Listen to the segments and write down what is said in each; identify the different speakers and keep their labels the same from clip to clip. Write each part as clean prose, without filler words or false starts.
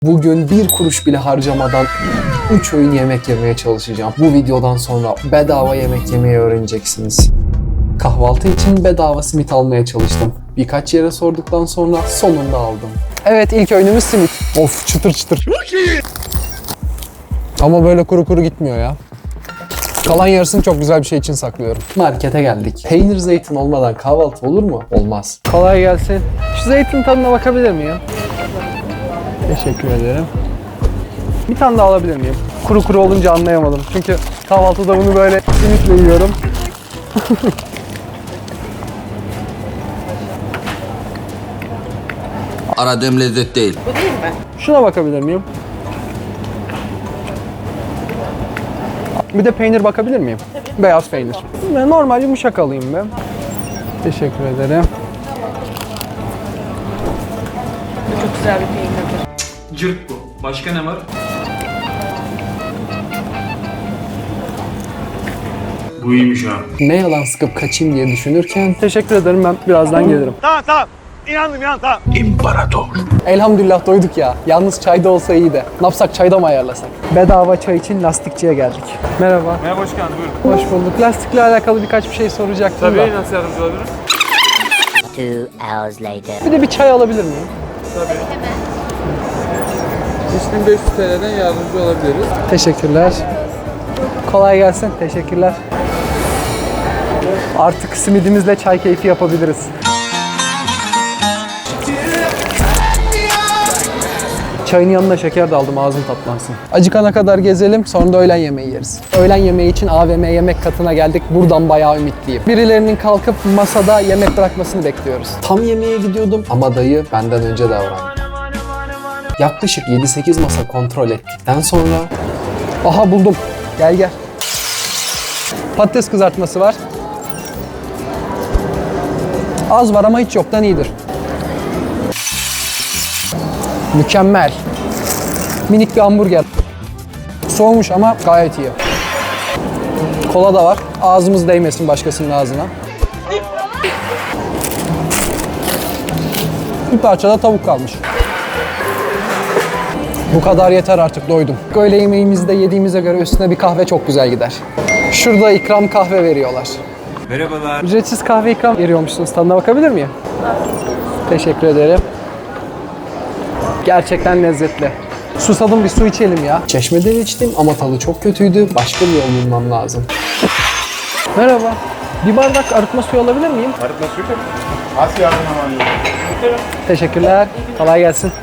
Speaker 1: Bugün bir kuruş bile harcamadan 3 öğün yemek yemeye çalışacağım. Bu videodan sonra bedava yemek yemeyi öğreneceksiniz. Kahvaltı için bedava simit almaya çalıştım. Birkaç yere sorduktan sonra sonunda aldım. Evet, ilk öğünümüz simit. Of, çıtır çıtır. Ama böyle kuru kuru gitmiyor ya. Kalan yarısını çok güzel bir şey için saklıyorum. Markete geldik. Peynir zeytin olmadan kahvaltı olur mu? Olmaz. Kolay gelsin. Şu zeytin tadına bakabilir miyim? Teşekkür ederim. Bir tane daha alabilir miyim? Kuru kuru olunca anlayamadım. Çünkü kahvaltıda bunu böyle simitle yiyorum.
Speaker 2: Aradığım lezzet değil.
Speaker 3: Bu değil mi?
Speaker 1: Şuna bakabilir miyim? Bir de peynir bakabilir miyim? Tabii. Beyaz peynir. Ben normal yumuşak alayım ben. Teşekkür ederim.
Speaker 3: Bu çok güzel bir peynirdir.
Speaker 4: Cırt bu. Başka ne var? Bu iyiymiş ha.
Speaker 1: Ne yalan sıkıp kaçayım diye düşünürken teşekkür ederim, ben birazdan gelirim.
Speaker 5: Tamam. İnandım tamam.
Speaker 1: Elhamdülillah doyduk ya. Yalnız çayda olsa iyi de. Ne yapsak, çayda mı ayarlasak? Bedava çay için lastikçiye geldik. Merhaba.
Speaker 4: Merhaba, hoş geldin, buyurun.
Speaker 1: Hoş bulduk. Lastikle alakalı birkaç bir şey soracaktım da.
Speaker 4: Tabii, nasıl yardımcı olabilirim?
Speaker 6: 2 hours later.
Speaker 1: Bir de bir çay alabilir miyim?
Speaker 4: 3500 TL'den yardımcı olabiliriz.
Speaker 1: Teşekkürler. Kolay gelsin. Teşekkürler. Artık simidimizle çay keyfi yapabiliriz. Çayın yanına şeker de aldım, ağzım tatlansın. Acıkana kadar gezelim, sonra da öğlen yemeği yeriz. Öğlen yemeği için AVM yemek katına geldik. Buradan bayağı ümitliyim. Birilerinin kalkıp masada yemek bırakmasını bekliyoruz. Tam yemeğe gidiyordum ama dayı benden önce davrandı. Yaklaşık 7-8 masa kontrol ettikten sonra... Aha, buldum. Gel gel. Patates kızartması var. Az var ama hiç yoktan iyidir. Mükemmel. Minik bir hamburger. Soğumuş ama gayet iyi. Kola da var. Ağzımız değmesin başkasının ağzına. Bir parça da tavuk kalmış. Bu kadar yeter, artık doydum. Öğle yemeğimizi de yediğimize göre üstüne bir kahve çok güzel gider. Şurada ikram kahve veriyorlar.
Speaker 4: Merhabalar.
Speaker 1: Ücretsiz kahve ikram veriyormuşsunuz. Tadına bakabilir miyim? Teşekkür ederim. Gerçekten lezzetli. Susadım, bir su içelim ya. Çeşmeden içtim ama tadı çok kötüydü. Başka bir yol bulmam lazım. Merhaba. Bir bardak arıtma suyu alabilir miyim?
Speaker 5: Arıtma suyu tabii. Nasıl yardım alayım?
Speaker 1: Teşekkürler. Kolay gelsin.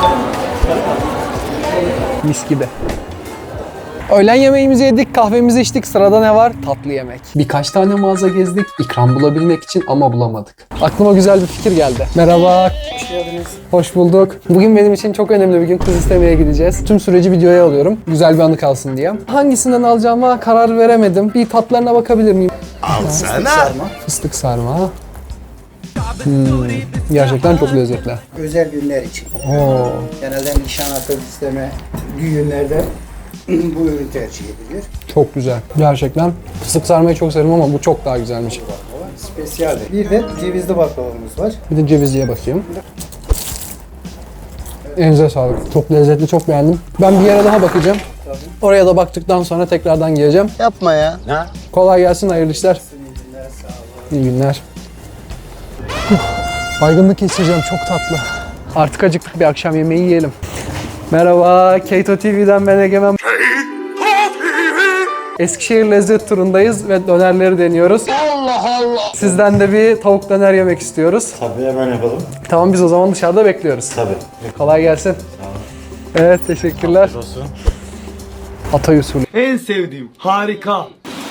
Speaker 1: Mis gibi. Öğlen yemeğimizi yedik, kahvemizi içtik. Sırada ne var? Tatlı yemek. Birkaç tane mağaza gezdik ikram bulabilmek için ama bulamadık. Aklıma güzel bir fikir geldi. Merhaba. Hoş geldiniz. Hoş bulduk. Bugün benim için çok önemli bir gün. Kız istemeye gideceğiz. Tüm süreci videoya alıyorum. Güzel bir anı kalsın diye. Hangisinden alacağıma karar veremedim. Bir tatlarına bakabilir miyim?
Speaker 5: Alsana.
Speaker 1: Fıstık sarma. Gerçekten çok lezzetli.
Speaker 7: Özel günler için.
Speaker 1: Oo.
Speaker 7: Genelde nişan, akıl isteme, düğünlerde bu ürün tercih ediliyor.
Speaker 1: Çok güzel. Gerçekten fıstık sarmayı çok severim ama bu çok daha güzelmiş.
Speaker 7: Spesiyal. Bir de cevizli baklavamız var.
Speaker 1: Bir de cevizliye bakayım. Elinize sağlık. Çok lezzetli, çok beğendim. Ben bir yere daha bakacağım. Oraya da baktıktan sonra tekrardan geleceğim.
Speaker 7: Yapma ya.
Speaker 1: Kolay gelsin, hayırlı işler. İyi günler. Baygınlık geçireceğim, çok tatlı. Artık acıktık, bir akşam yemeği yiyelim. Merhaba, Keto TV'den ben Egemen. Eskişehir lezzet turundayız ve dönerleri deniyoruz. Allah Allah! Sizden de bir tavuk döner yemek istiyoruz.
Speaker 5: Tabii hemen yapalım.
Speaker 1: Tamam, biz o zaman dışarıda bekliyoruz.
Speaker 5: Tabii.
Speaker 1: Kolay gelsin. Evet, teşekkürler.
Speaker 5: Olsun.
Speaker 1: Hatay usulü.
Speaker 5: En sevdiğim. Harika.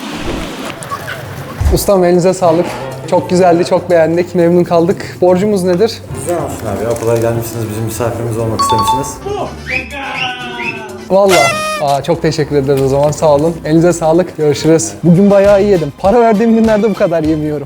Speaker 1: Ustam, elinize sağlık. Çok güzeldi, çok beğendik, memnun kaldık. Borcumuz nedir?
Speaker 8: Güzel olsun abi. Okula gelmişsiniz, bizim misafirimiz olmak istemişsiniz.
Speaker 1: Vallahi. Çok teşekkür ederiz o zaman, sağ olun. Elinize sağlık, görüşürüz. Bugün bayağı iyi yedim. Para verdiğim günlerde bu kadar yemiyorum.